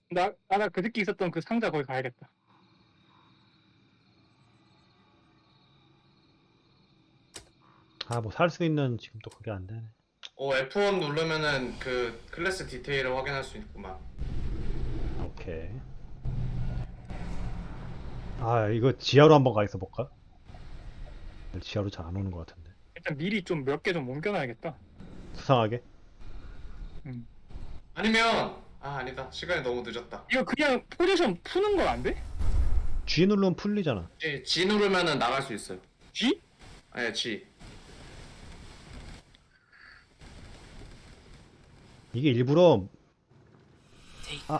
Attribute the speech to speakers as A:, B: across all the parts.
A: 나 그저께 있었던 그 상자 거기 가야겠다.
B: 아, 뭐 살 수 있는 지금 또 그게 안 되네.
C: F1 누르면은 그 클래스 디테일을 확인할 수 있구만.
B: 오케이. 아, 이거 지하로 한번 가 있어 볼까? 지하로 잘 안 오는 것 같은데.
A: 일단 미리 좀 몇 개 좀 옮겨놔야겠다.
B: 수상하게.
C: 아니면 아니다. 시간이 너무 늦었다.
A: 이거 그냥 포지션 푸는 건 안 돼?
B: G 누르면 풀리잖아.
C: G 누르면은 나갈 수 있어요.
A: G?
C: 아니 G.
B: 이게 일부러 아,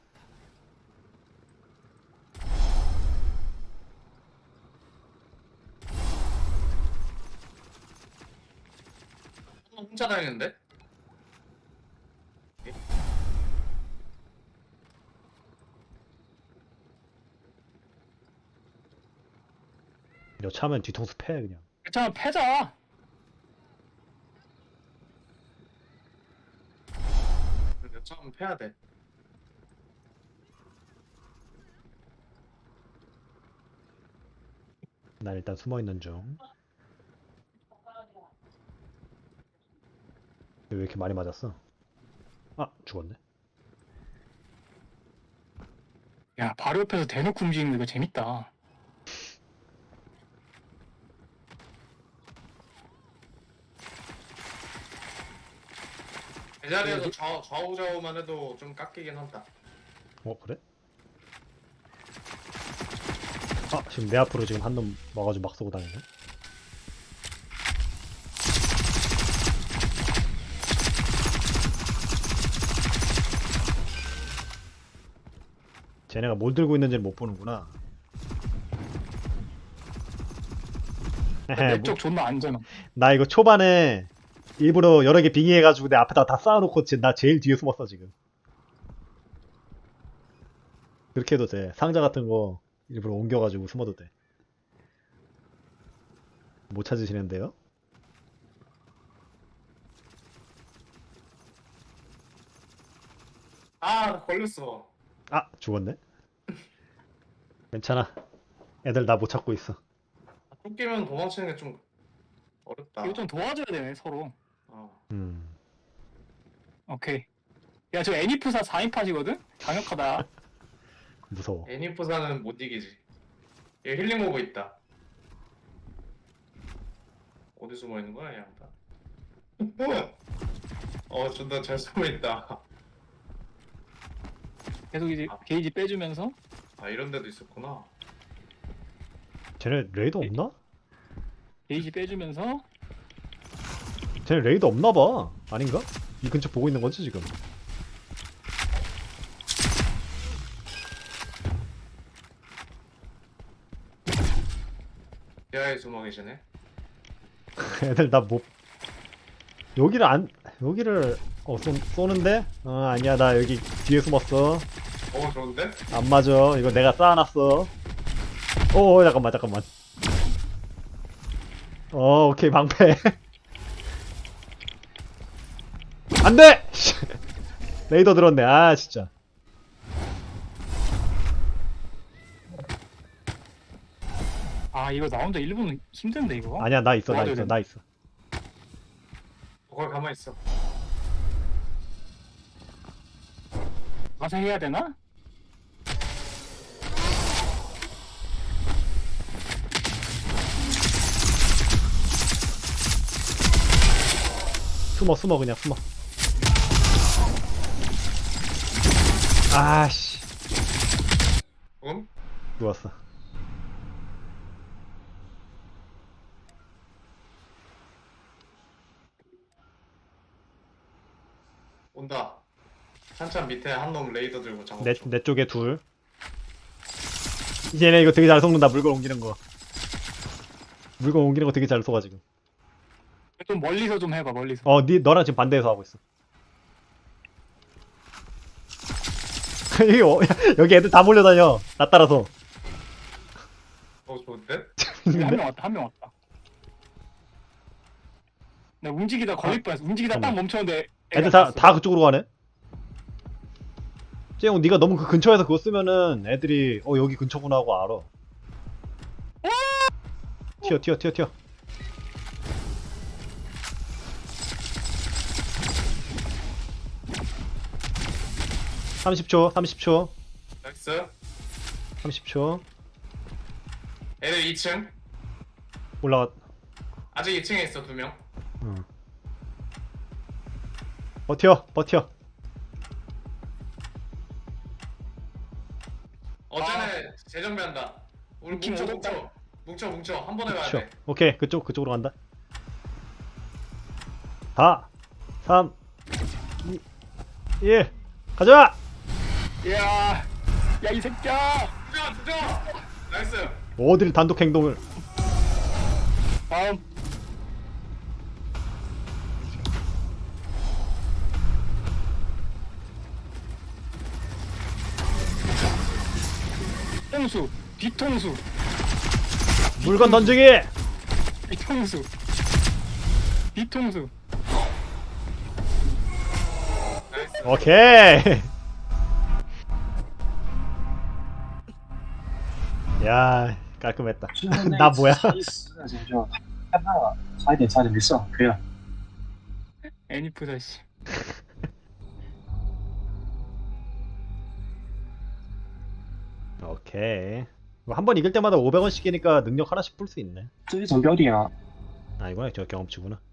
C: 혼자 다니는데?
B: 여차하면 뒤통수 패 그냥.
A: 괜찮아, 패자.
C: 처음 패야 돼.
B: 난 일단 숨어 있는 중. 왜 이렇게 많이 맞았어? 아, 죽었네.
A: 야, 바로 옆에서 대놓고 움직이는 거 이거 재밌다.
C: 제자리에서 좌우좌우만 해도 좀 깎이긴 한다.
B: 그래? 아, 지금 내 앞으로 지금 한 놈 와가지고 막 쏘고 다니네. 쟤네가 뭘 들고 있는지를 못 보는구나.
A: 내 쪽 존나 안전함.
B: 나 이거 초반에 일부러 여러 개 빙의해가지고 내 앞에다 다 쌓아놓고 나 제일 뒤에 숨었어 지금. 그렇게 해도 돼. 상자 같은 거 일부러 옮겨가지고 숨어도 돼. 못 찾으시는데요?
C: 나 걸렸어.
B: 아, 죽었네. 괜찮아. 애들 나 못 찾고 있어.
C: 쫓기면 도망치는 게 좀 어렵다.
A: 이거 좀 도와줘야 되네, 서로.
B: 음.
A: 오케이. 야, 저 애니프사 4인팟이거든? 강력하다.
B: 무서워.
C: 애니프사는 못 이기지. 얘 힐링 오고 있다. 어디 숨어 있는 거야, 얘 양다. 존나 잘 숨어 있다.
A: 계속 이제 게이지 빼주면서.
C: 이런 데도 있었구나.
B: 쟤네 레이더 없나?
A: 게이지 빼주면서.
B: 쟤네 레이더 없나봐. 아닌가? 이 근처 보고 있는 거지 지금.
C: 지하에 숨어 계시네.
B: 애들 나 못. 여기를 쏘는데? 아니야, 나 여기 뒤에 숨었어.
C: 좋은데?
B: 안 맞아. 이거 내가 쌓아놨어. 잠깐만. 오케이, 방패. 안 돼! 레이더 들었네. 아, 진짜.
A: 아, 이거 나 혼자 1분은 힘든데, 이거?
B: 아니야, 나 있어.
A: 도와줘야
B: 나 있어.
C: 거기 가만히 있어.
A: 가서 해야 되나?
B: 숨어, 그냥 숨어. 아씨. 누웠어.
C: 온다. 한참 밑에 한 놈 레이더 들고 작업 중.
B: 내 쪽에 둘. 얘네 이거 되게 잘 쏘는다. 물건 옮기는 거. 물건 옮기는 거 되게 잘 쏘가 지금.
A: 좀 멀리서 좀 해봐, 멀리서.
B: 너랑 지금 반대에서 하고 있어. 여기 애들 다 몰려다녀. 나 따라서.
C: 좋은데?
A: 한 명 왔다, 한 명 왔다. 나 움직이다 걸릴 뻔했어. 움직이다 딱
B: 잠깐만.
A: 멈췄는데
B: 애들 다 그쪽으로 가네. 쟤형 네가 너무 그 근처에서 그거 쓰면은 애들이 여기 근처구나 하고 알아. 튀어. 30초.
C: 나이스.
B: 30초.
C: 애들 2층.
B: 올라가.
C: 아직 2층에 있어 2명.
B: 응. 버텨.
C: 어제는 재정비한다. 우리
A: 느낌
C: 뭉쳐 한 번에 가야
B: 그쵸.
C: 돼.
B: 오케이, 그쪽으로 간다. 4, 3, 2, 1, 가자!
A: 야 이 새끼야.
C: 주저. 나이스.
B: 어딜 단독 행동을.
A: 다음. 통수, 뒤통수,
B: 물건 던지기!
A: 뒤통수, 뒤통수.
C: 나이스.
B: 오케이! 야, 깔끔했다. 나 뭐야?
D: 差110那就看到了，差一点没事，可以了。
A: 애니프다 씨.
B: 오케이. 한 번 이길 때마다 500원씩이니까 능력 하나씩 풀 수 있네.
D: 这一种标点啊，
B: 아, 이거야. 저 경험치구나.